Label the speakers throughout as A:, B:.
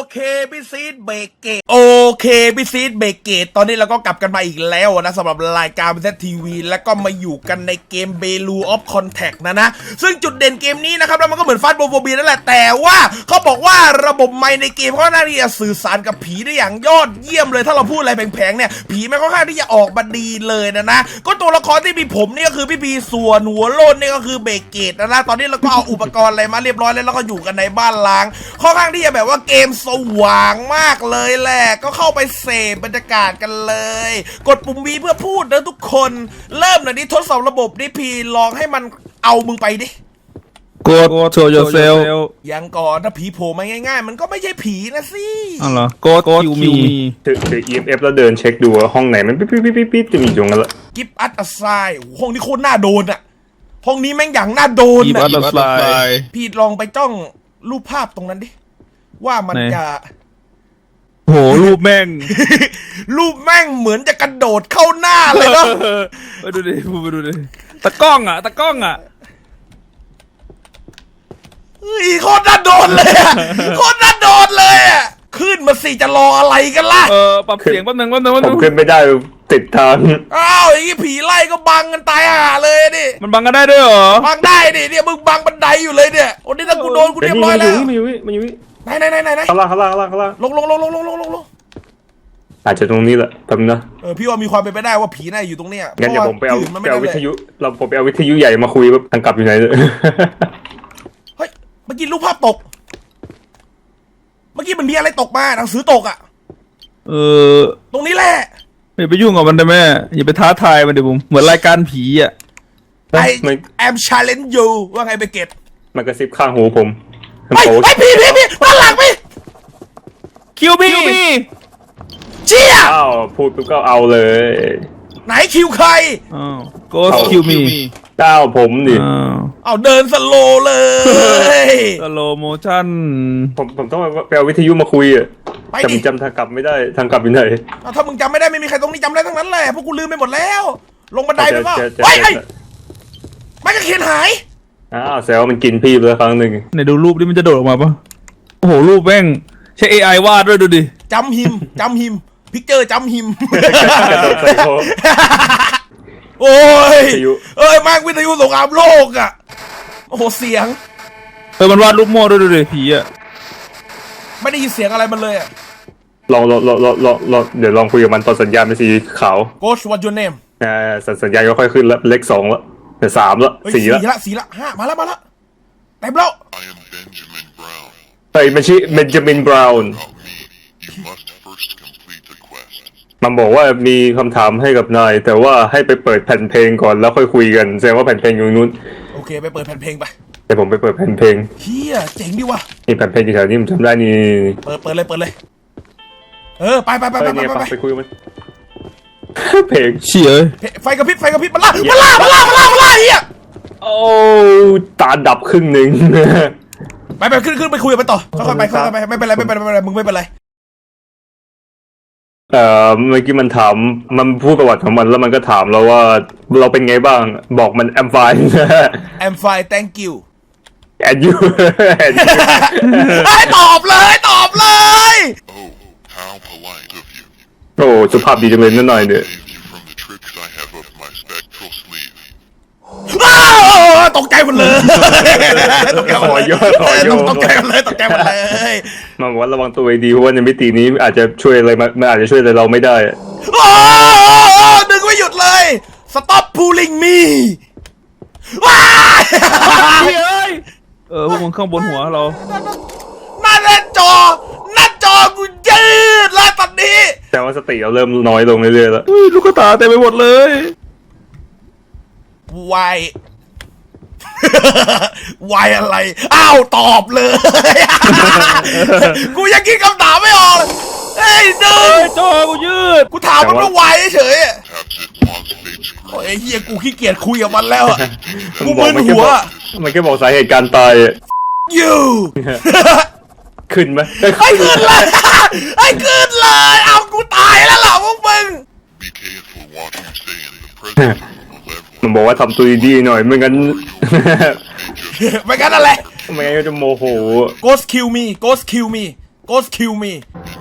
A: เคพี่ซีดเบรกเกตโอเคพี่ซีดเบรกเกตตอนนี้เราก็กลับกันมาอีกแล้วนะสำหรับรายการเซตทีวีแล้วก็มาอยู่กันในเกมเบลูออฟคอนแทคนะซึ่งจุดเด่นเกมนี้นะครับแล้วมันก็เหมือนฟาสโบโฟเบียนั่นแหละแต่ว่าเขาบอกว่าระบบไมค์ในเกมเขาหน้าที่จะสื่อสารกับผีได้อย่างยอดเยี่ยมเลยถ้าเราพูดอะไรแผลงๆเนี่ยผีมันค่อนข้างที่จะออกมาดีเลยนะก็ตัวละครที่มีผมนี่ก็คือพี่พีส่วนหัวโลนนี่ก็คือเบรกเกตนะตอนนี้เราก็เอาอุปกรณ์อะไรมาเรียบร้อยแล้วก็อยู่กันในบ้านล้างค่อนข้างที่จะแบบว่าเกมสว่างมากเลยแหละก็เข้าไปเสพบรรยากาศกันเลยกดปุ่ม V เพื่อพูดนะทุกคนเริ่มหน่อยดิทดสอบระบบดิพีลองให้มันเอามึงไปดิ
B: กด show yourself
A: ยังก่อนถ้าผีโผล่มาง่ายๆมันก็ไม่ใช่ผีนะสิ
B: อ๋อเหรอกด kill me
C: ถือ EMF แล้วเดินเช็คดูว่าห้องไหนมันปิ๊บจะมีอยู่งั้นละ
A: กิฟต์อัตไซห้องนี้โคตรน่าโดนอะห้องนี้แม่งอย่างน่าโดน
B: Give
A: อะ
B: us a sign
A: พี่ลองไปจ้องรูปภาพตรงนั้นดิว่ามันจะ
B: โหรูปแม่ง
A: รูปแม่งเหมือนจะกระโดดเข้าหน้าเลยเนาะ
B: ไปดูดิไปดูดิตะกล้องอ่ะ
A: เฮ้ยโคตรน่าโดนเลยอะโคตรน่าโดนเลยอะขึ้นมาสิจะรออะไรกันล่ะ
B: ปรับเสียงแป๊บนึง
C: ผมขึ้นไม่ได้ติดทาง
A: อ้าวอย่างงี้ผีไล่ก็บังกันตายห่าเลยดิ
B: มันบังกันได้ด้วยเหรอ
A: บังได้ดิเนี่ยมึงบังบันไดอยู่เลยเนี่ยโอ้นี่ถ้ากูโดนกูเรียบร้อยแล้ว
C: มันอยู่
A: ไหน
C: ข้างล่าง
A: ลง
C: อาจจะตรงนี้แหละแป๊บนึงนะ
A: พี่ว่ามีความเป็นไปได้ว่าผีน่าอยู่ตรงเนี้ย
C: งั้นเดี๋ยวผมไปเอาวิทยุผมไปเอาวิทยุใหญ่มาคุยว่าทางกลับอยู่ไหนเลย
A: เฮ้ยเมื่อกี้รูปภาพตกเมื่อกี้มันมีอะไรตกมาหนังสือตกอ่ะตรงนี้แหละ
B: อย่าไปยุ่งกับมันได้ไหมอย่าไปท้าทายมันดิบุ๋มเหมือนรายการผีอ่ะ
A: I am challenge you ว่าไงเบเกต
C: มันกระซิบข้างหูผม
A: ไอ้พี่ด้านหลังพี่
B: คิวบี้
A: เชี่ย
C: อ้าวพูดปุ๊บก็เอาเลย
A: ไหนคิวใคร
B: ก็คิวมี
C: เจ้าผมดิ
A: เอาเดินสโลเลย
B: สโลโมชั่น
C: ผมต้องไปเอาวิทยุมาคุยอ่ะแต่ผมจำทางกลับไม่ได้ทางกลับอยู่ไหน
A: ถ้ามึงจำไม่ได้ไม่มีใครตรงนี้จำได้ทั้งนั้นแหละพวกกูลืมไปหมดแล้วลงบันไดไปว่าไอ้ไม่กระเขียนหาย
C: แซวมันกินพี่ไปแล้วครั้งหนึ่ง
B: ไหนดูรูปนี่มันจะโดดออกมาปะโอ้โหรูปแม่งใช้ AI วาดด้วยดูดิ
A: จำหิมพิกเจอร์จำหิมโอ้ยมากวิทยุสงครามโลกอ่ะโอ้โหเสียง
B: มันวาดรูปโม่ด้วยดูดิผีอ่ะ
A: ไม่ได้ยินเสียงอะไรมันเลยอ่ะ
C: ลองเดี๋ยวลองคุยกับมันตอนสัญญาณเป็นสีขาว
A: Ghost what's your name
C: สัญญาณก็ค่อยขึ้นแล้วเลข2แล้วแต่3แล้ว4
A: ละ5มาแล้วเต็มแล้ว
D: I am Benjamin Brown
C: มันชื่อเบนจามินบราวน์
D: You must first complete the quest
C: มันบอกว่ามีคำถามให้กับนายแต่ว่าให้ไปเปิดแผ่นเพลงก่อนแล้วค่อยคุยกันแสดงว่าแผ่นเพลงอยู่นู้น
A: โอเคไปเปิดแผ่นเพลงไป
C: แต่ผมไปเปิดแผ่นเพลง
A: เฮียเจ๋งดิวะ
C: นี่แผ่นเพลงที่แถวนี้ผมจำได้นี่
A: เปิดเลยไป
C: คุยกันเพลง
B: เชี่ย
A: ไฟกระพริบมาล่าเฮีย
C: โอ้ตาดับครึ่งหนึ่ง
A: ไปขึ้นไปคุยกันต่อค่อยๆไปไม่เป็นไรมึงไม่เป็นไร
C: เมื่อกี้มันถามมันพูดประวัติของมันแล้วมันก็ถามเราว่าเราเป็นไงบ้างบอกมัน I'm fine
A: I'm fine thank you
C: and you
A: ตอบเลย
D: Oh how polite of you
C: โอ้สุภาพดีจังเลยนิดหน่อยเนี่ย
A: ตกใจหมดเลยตกใจหมดเลย
C: มาบอกว่าระวังตัวดีเพราะว่าในมิตินี้อาจจะช่วยอะไรมันอาจจะช่วยอะไรเราไม่ได้
A: ดึงไม่หยุดเลย Stop pulling me
B: พวกมึงข้างบนหัวเรา
A: หน้าจอกูยืดแล้วตอนนี้
C: แต่ว่าสติเราเริ่มน้อยลงเรื่อยๆแล้ว
B: ลูกตาเต็มไปหมดเลยว
A: ายอะไรอ้าวตอบเลยกูยังคิดคำถามไม่ออกเฮ้ยดึง
B: จอกูยืด
A: กูถามมันว่าวายเฉยโอ้ยเฮียกูขี้เกียจคุยกับมันแล้วกูมึนหัว
C: มันแค่บอกสาเหตุการตาย
A: you
C: ขึ้นไหม
A: ขึ้นเลยเอากูตายแล้วล่ะพวกมึง
C: มันบอกว่าทำตัวดีๆหน่อยไม่งั้น
A: อะไร
C: ไม่งั้นก็จะโมโห
A: Ghost kill me Ghost kill me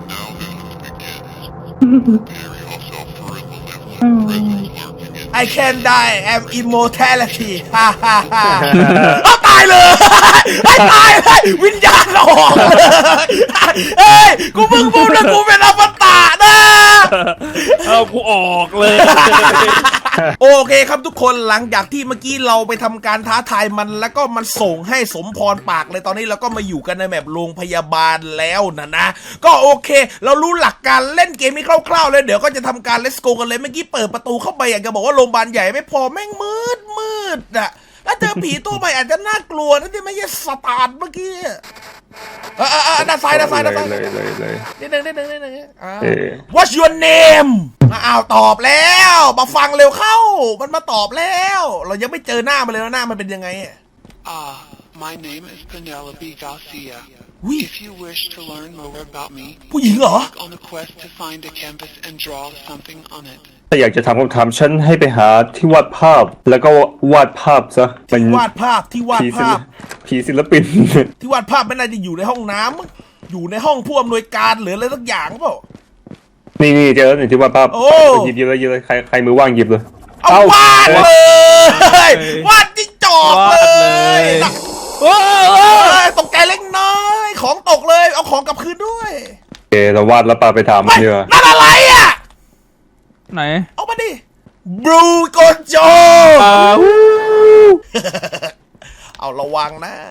A: I can die am immortality ฮ่าฮ่าฮ่าเอาตายเลยให้ตายเลยวิญญาณออกเลยเฮ้ยกูเพิ่งพูดนะกูเป็นอมตะนะ
B: เอากูออกเลย
A: โอเคครับทุกคนหลังจากที่เมื่อกี้เราไปทำการท้าทายมันแล้วก็มันส่งให้สมพรปากเลยตอนนี้เราก็มาอยู่กันในแบบโรงพยาบาลแล้วนะก็โอเคเรารู้หลักการเล่นเกมนี้คร่าวๆเลยเดี๋ยวก็จะทำการ let's go กันเลยเมื่อกี้เปิดประตูเข้าไปอยากจะบอกว่าโรงพยาบาลใหญ่ไม่พอแม่งมืดอ่ะถ้าเจอผีตัวใหม่อาจจะน่ากลัวนะที่ไม่ใช่สตาร์ทเมื่อกี้ด้านซ้าย
C: เลย
A: นิดนึงWhat's your name อ้าวตอบแล้วมาฟังเร็วเข้ามันมาตอบแล้วเรายังไม่เจอหน้ามันเลยหน้ามันเป็นยังไง
E: My name is Penelope Garcia. If you wish to learn more about me,
A: ผู้หญิงเหรอ
E: on a quest to find a canvas and draw something on it.
C: ถ้าอยากจะถามคำถามฉันให้ไปหาที่วาดภาพแล้วก็วาดภาพซะ
A: ที่วาดภาพ
C: ผีศิลปิน
A: ที่วาดภาพไม่น่าจะอยู่ในห้องน้ำอยู่ในห้องผู้อำนวยการหรืออะไรสักอย่างเปล่า
C: นี่เจอแล้วที่วาดภาพหยิบเลยใครมือว่างหยิบเลย
A: เอาวาดเลยวาดจิ้งจอกเลยตกใจเล็กน้อยของตกเลยเอาของกลับคืนด้วย
C: โอเคเราวาดแล้วปาไปถามมันเถอะ
A: นั่นอะไรอ่ะ
B: ไหน
A: เอามาดิบลูโกโจเอาระวังนะ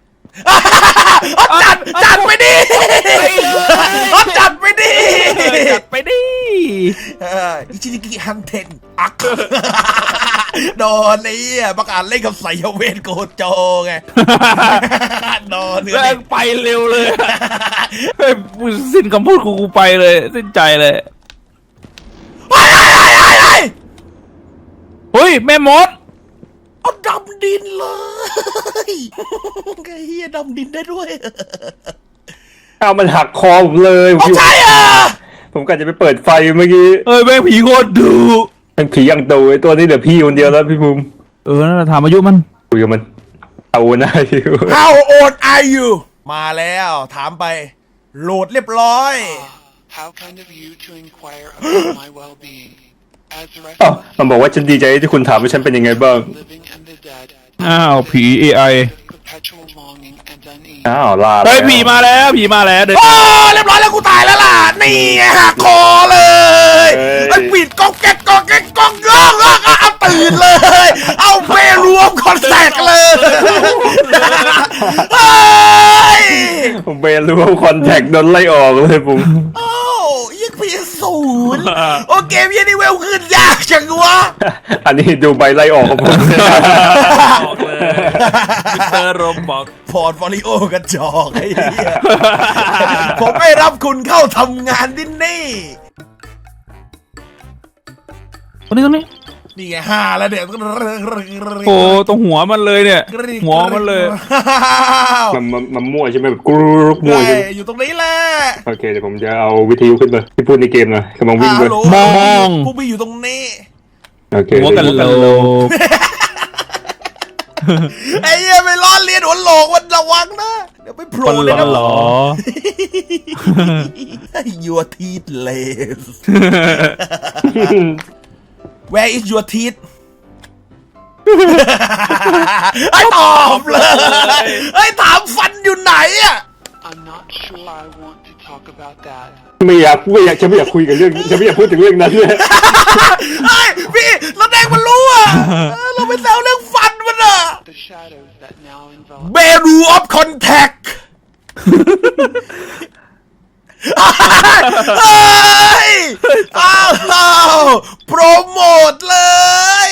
A: จัดไปดิจัดไปดิอิชินิกิฮันเทนอักโดนไอ้ประกาศเล่นกับไสยเวทโกโจไงโดน
B: แล้วไปเร็วเลยสิ้นคำพูดกูไปเลยสิ้นใจเลยเฮ้ยแม่มด
A: เอาดำดินเลยไอ้เหี้ยดำดินได้ด้วย
C: เอามันหักคอผมเลย
A: ใช่อ่ะ
C: ผมกะจะไปเปิดไฟเมื่อกี้
B: แม่งผีโคตรดุ
C: แม่งผียังโตไอ้ตัวนี้เหลือพี่คนเดียวแล้วพี่ภูมิ
B: นั่นแหละถามอายุมัน
C: คุยกับมันเอาหน้าอยู่
A: How old are you มาแล้วถามไปโหลดเรียบร้อย
E: How kind of you to inquire about my well-being
C: มันบอกว่าฉันดีใจที่คุณถามว่าฉันเป็นยังไงบ้าง
B: ผี AI
C: ลา
B: ผีมาแล้วเดี๋ยว
A: เรียบร้อยแล้วกูตายแล้วล่ะนี่หักคอเลยไอ้ปิดกองแก๊กเอาตื่นเลยเอาเบรวมคอนแทคเลย
C: ผมเบรวมคอนแทคโดนไล่ออกเลยผม
A: ยังพี0โอเกมยันนี่เวลขึ้นยากจังวะ
C: อันนี้ดูใบไล่ออกของผม
B: มิสเตอร์โรบอก
A: พอร์ตโฟลิโอกระจอกไอ้เหี้ยผมไม่รับคุณเข้าทำงานที่นี่
B: ตรงนี้
A: นี่ไง5แล้วเนี่ย
B: โอ้ตรงหัวมันเลยเนี่ยหัวมันเลย
C: มันมั่วใช่ไหมแบบกรุ๊ปมั่วใช่ไหม
A: อยู่ตรงนี้แหละ
C: โอเคเดี๋ยวผมจะเอาวิทยุขึ้นมาที่พูดในเกมหน่อยกำลังวิ่งเลย
B: มอง
A: ผู้พี่อยู่ตรงนี้
C: โอเค
B: หัวกันโล
A: ไอ้เหี้ยไปล้อเลียนหัวโหลกมันระวังนะเดี๋ยวไปโผล่เลยนะ
B: หรอ
A: Your teeth lace Where is your teeth ไอ้ตอบเลยไอ้ถามฟันอยู่ไหนอ่ะ
E: I'm not sure I want to talk about that
C: ไม่อยากคุยกับเรื่องฉันไม่อยากพูดถึงเรื่องนั้นเลย
A: เฮ้ยพี่เราแดงมันรู้อ่ะเราไปแซวเรื่องฟันมันอ่ะ Beru of Contact โปรโมทเลย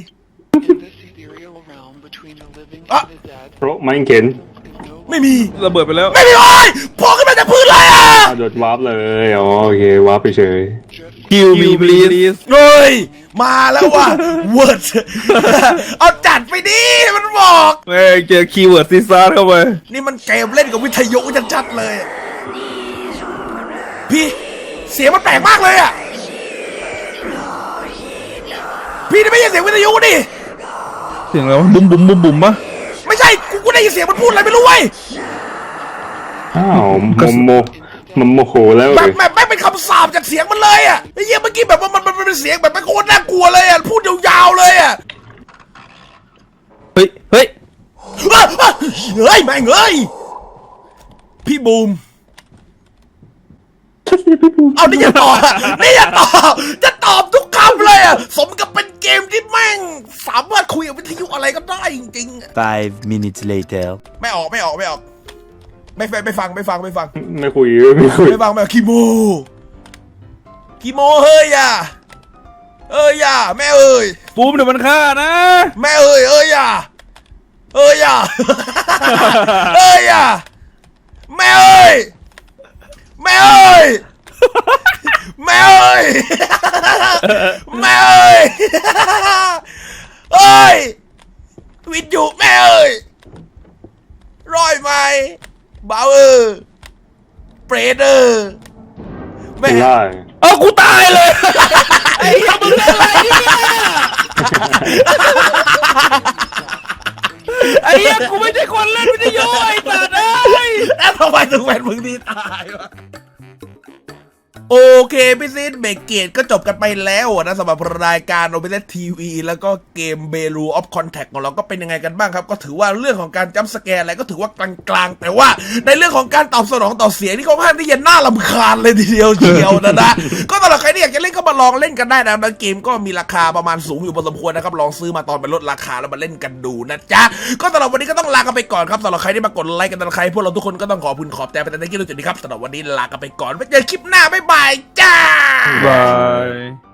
C: โปรไม่เห็น
A: ไม่มี
B: ระเบิดไปแล้ว
A: ไม่มีเลยพอขึ้นมาจากพื้นเลยอ่ะ
C: โดดวาร์ปเลยโอเควาร์ปไปเฉย
B: คิวมีบลีส
A: เฮ้ยมาแล้วว่ะเวิร์ดเอาจัดไปดิมันบอก
B: เจอคีย์เวิร์ดซีซ่าเข้าไป
A: นี่มันเกมเล่นกับวิทยุชัดๆเลยพี่เสียงมันแปลกมากเลยอ่ะพี่นี่ไม่ใช่เสียงวิทยุดิ
B: เสียงอะไรวะบุ้มปะ
A: ไม่ใช่กูได้ยินเสียงมันพูดอะไรไม่รู้เว้ย
C: อ้าวมันโมโหแล้ว
A: แบบไม่เป็นคำสาปจากเสียงมันเลยอ่ะไอ้เหี้ยเมื่อกี้แบบว่ามันเป็นเสียงแบบมันโคตรน่ากลัวเลยอ่ะพูดยาวๆเลยอ่ะ
B: เฮ้ย
A: เฮ้ยแม่งเอ้ยพี่บูมเอานี่อย่าตอบนี่อย่าตอบจะตอบทุกคำเลยอ่ะสมกับเป็นเกมที่แม่งสามารถคุยกับวิทยุอะไรก็ได้จริงๆ
F: 5 minutes later.
A: ไม่ออกไม่ฟัง
C: ไม่คุย
A: คีโมเฮ้ยอย่าแม่เอ้ย
B: ปูมเดี๋ยวมันฆ่านะ
A: แม่เอ้ยอย่าอย่าอย่าแม่เอ้ยแม่เอ้ยแม่เอ้ยแม่เอ้ยเอ้ยวิทยุแม่เอ้ยร้อยไหมบาวเปรตแม่
C: ได้
B: เอากูตายเลย
A: ไอ้ทำมึงอะไรเนี่ย
B: ไอ้เหี้ยกูไม่ใช่คนเล่นวิทยุไอ้สัตว์เอ้ย
A: แล้วทำไมถึงเป็นมึงที่ตายวะโอเคพี่ซีดเบรกเกตก็จบกันไปแล้วนะสำหรับรายการโอเปร่าทีวีแล้วก็เกมเบลูออฟคอนแทคของเราก็เป็นยังไงกันบ้างครับก็ถือว่าเรื่องของการจัมป์สแกร์อะไรก็ถือว่ากลางๆแต่ว่าในเรื่องของการตอบสนองต่อเสียงนี่ค่อนข้างที่จะน่ารำคาญเลยทีเดียวเชียวนะก็สำหรับใครที่อยากจะเล่นก็มาลองเล่นกันได้นะเกมก็มีราคาประมาณสูงอยู่พอสมควรนะครับลองซื้อมาตอนเป็นลดราคาแล้วมาเล่นกันดูนะจ๊ะก็สำหรับวันนี้ก็ต้องลากันไปก่อนครับสำหรับใครที่มากดไลค์กันใครพวกเราทุกคนก็ต้องขอบคุณขอบใจไปในที่รู้จุดนี้ครับสำหรับวันนี้ลากันไปก่อนไว้เจอคลิปหน้าบ๊ายบายจ้า
B: บาย